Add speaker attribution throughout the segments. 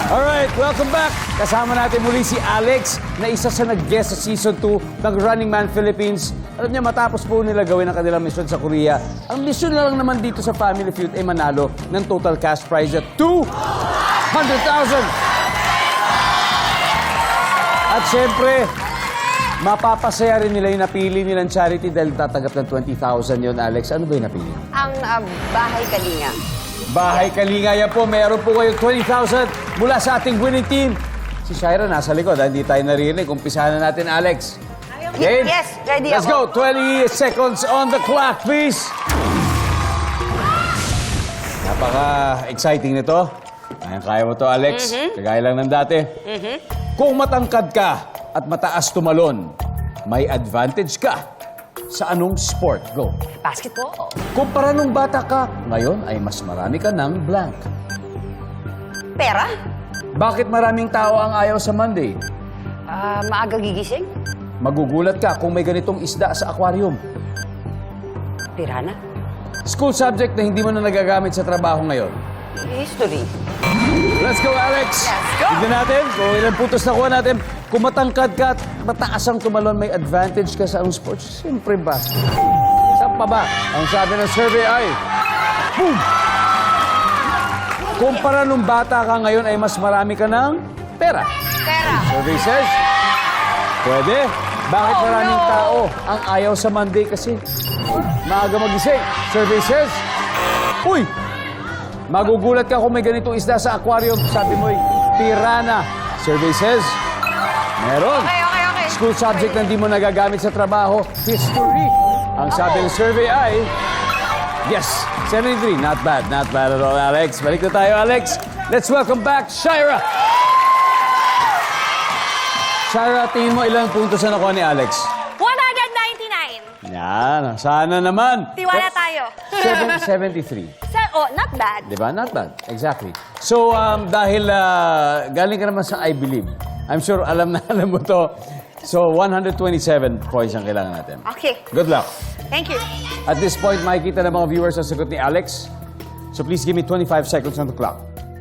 Speaker 1: Alright, welcome back. Kasama natin muli si Alex na isa sa nag-guest sa Season 2 ng Running Man Philippines. Alam niya, matapos po nila gawin ang kanilang mission sa Korea, ang mission na lang naman dito sa Family Feud ay manalo ng total cash prize at 200,000. At syempre, mapapasaya rin nila yung napili nilang charity dahil tatanggap ng 20,000 yun, Alex. Ano ba yung napili?
Speaker 2: Ang Bahay Kalinga.
Speaker 1: Bahay Kalinga, yan po. Meron po kayo 20,000 mula sa ating winning team. Si Shaira nasa likod. Hindi tayo naririnig. Umpisahan na natin, Alex. Game?
Speaker 2: Yes, ready
Speaker 1: Let's go. 20 seconds on the clock, please. Napaka-exciting nito. Kaya mo to, Alex. Kagaya lang ng dati. Kung matangkad ka at mataas tumalon, may advantage ka. Sa anong sport? Go.
Speaker 2: Basketball.
Speaker 1: Kumpara nung bata ka, ngayon ay mas marami ka ng blank.
Speaker 2: Pera.
Speaker 1: Bakit maraming tao ang ayaw sa Monday?
Speaker 2: Maaga gigising.
Speaker 1: Magugulat ka kung may ganitong isda sa aquarium.
Speaker 2: Pirana.
Speaker 1: School subject na hindi mo na nagagamit sa trabaho ngayon.
Speaker 2: History.
Speaker 1: Let's go, Alex!
Speaker 2: Let's go!
Speaker 1: Tignan natin kung ilang putos nakuha natin. Kung matangkad ka at mataas ang tumalon, may advantage ka sa anong sports? Siyempre ba? Saan pa ba? Ang sabi ng survey ay... Boom! Kumpara nung bata ka ngayon ay mas marami ka ng pera.
Speaker 2: Pera.
Speaker 1: Survey says... Pwede. Bakit maraming tao ang ayaw sa Monday kasi maaga magising? Survey says... Uy! Magugulat ka kung may ganitong isda sa aquarium. Sabi mo'y piranha. Survey says... Meron.
Speaker 2: Okay.
Speaker 1: School subject na hindi mo nagagamit sa trabaho, history. Ang sabi ng survey ay... Yes, 73. Not bad at all, Alex. Balik na tayo, Alex. Let's welcome back, Shaira. Shaira, tingin mo ilang puntos na nakuha ni Alex?
Speaker 3: 199.
Speaker 1: Yan, sana naman.
Speaker 3: Tiwala tayo.
Speaker 1: 73.
Speaker 3: Not bad.
Speaker 1: Diba? Not bad. Exactly. So, dahil galing ka naman sa I Believe, I'm sure alam mo to. So, 127 points ang kailangan natin.
Speaker 3: Okay.
Speaker 1: Good luck.
Speaker 3: Thank you.
Speaker 1: At this point, makikita ng mga viewers ang sagot ni Alex. So, please give me 25 seconds on the clock.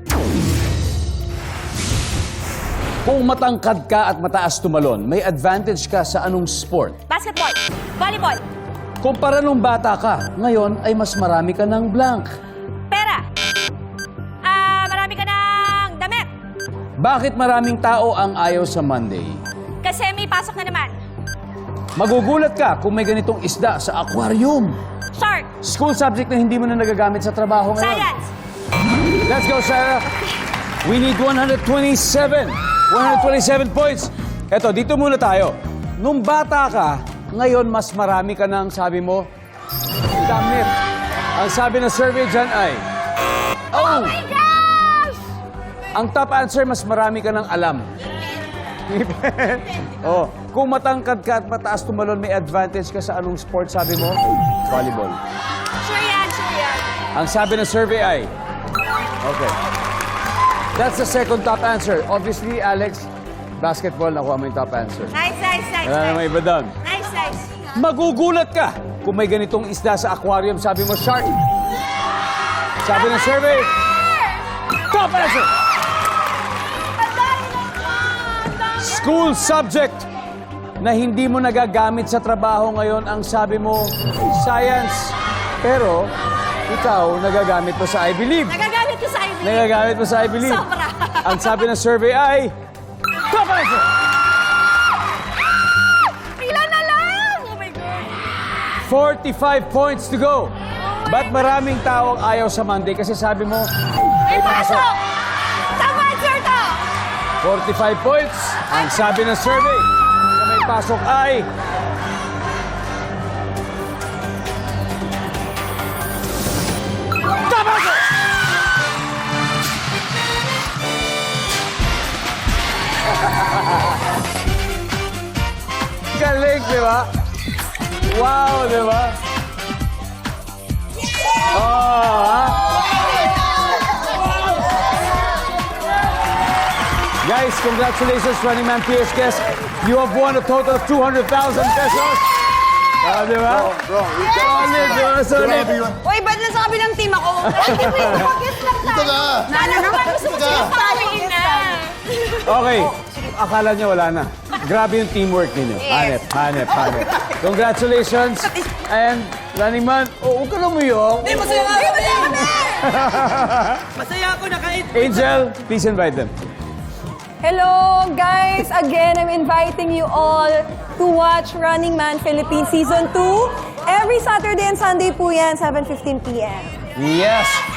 Speaker 1: Kung matangkad ka at mataas tumalon, may advantage ka sa anong sport?
Speaker 3: Basketball. Volleyball.
Speaker 1: Kumpara nung bata ka, ngayon ay mas marami ka ng blank.
Speaker 3: Pera. Marami ka ng damit.
Speaker 1: Bakit maraming tao ang ayaw sa Monday?
Speaker 3: Kasi may pasok na naman.
Speaker 1: Magugulat ka kung may ganitong isda sa aquarium.
Speaker 3: Shark.
Speaker 1: School subject na hindi mo na nagagamit sa trabaho ngayon.
Speaker 3: Science.
Speaker 1: Let's go, Sarah. We need 127. 127 points. Eto, dito muna tayo. Nung bata ka, ngayon mas marami ka ng, sabi mo, damit. Ang sabi ng survey dyan ay...
Speaker 3: Oh my gosh!
Speaker 1: Ang top answer, mas marami ka ng alam. Oh, kung matangkad ka at mataas tumalon, may advantage ka sa anong sport, sabi mo? Volleyball.
Speaker 3: Sure yan.
Speaker 1: Ang sabi ng survey ay... Okay. That's the second top answer. Obviously, Alex, basketball, nakuha mo yung top answer.
Speaker 3: Nice.
Speaker 1: Wala namang iba doon.
Speaker 3: Nice.
Speaker 1: Magugulat ka kung may ganitong isda sa aquarium, sabi mo, shark. Sabi ng survey, top answer! School subject na hindi mo nagagamit sa trabaho ngayon, ang sabi mo, science. Pero, ikaw, nagagamit mo sa I Believe.
Speaker 3: Nagagamit ko sa I Believe.
Speaker 1: Nagagamit mo sa I Believe.
Speaker 3: Sobra.
Speaker 1: Ang sabi ng survey ay, top answer!
Speaker 3: Pila na lang. Oh my God.
Speaker 1: 45 points to go. Ba't maraming tao ang ayaw sa Monday? Kasi sabi mo,
Speaker 3: May pasok. Tama answer to.
Speaker 1: 45 points. Ang sabi ng survey na may pasok ay... Top answer! Galing, di ba? Wow, di ba? Oh, ha? Guys, congratulations, Running Man PS guest. You have won a total of 200,000 pesos. Di ba?
Speaker 4: Bro,
Speaker 1: Solid, di ba? Solid.
Speaker 2: Uy, ba't nasa kabilang team ako?
Speaker 3: Hindi mo yung focus lang tayo.
Speaker 4: Dito ka!
Speaker 3: Sana naman gusto mo
Speaker 4: Dito ka!
Speaker 3: sinasabi na.
Speaker 1: Okay. Akala niya wala na. Grabe yung teamwork ninyo.
Speaker 2: Yes.
Speaker 1: Hanep. Congratulations. And, Running Man, huwag ka lumuyok.
Speaker 3: Masaya kami! Masaya ako nakain.
Speaker 1: Angel, please invite them.
Speaker 4: Hello, guys! Again, I'm inviting you all to watch Running Man Philippines Season 2. Every Saturday and Sunday po yan, 7:15 p.m.
Speaker 1: Yes.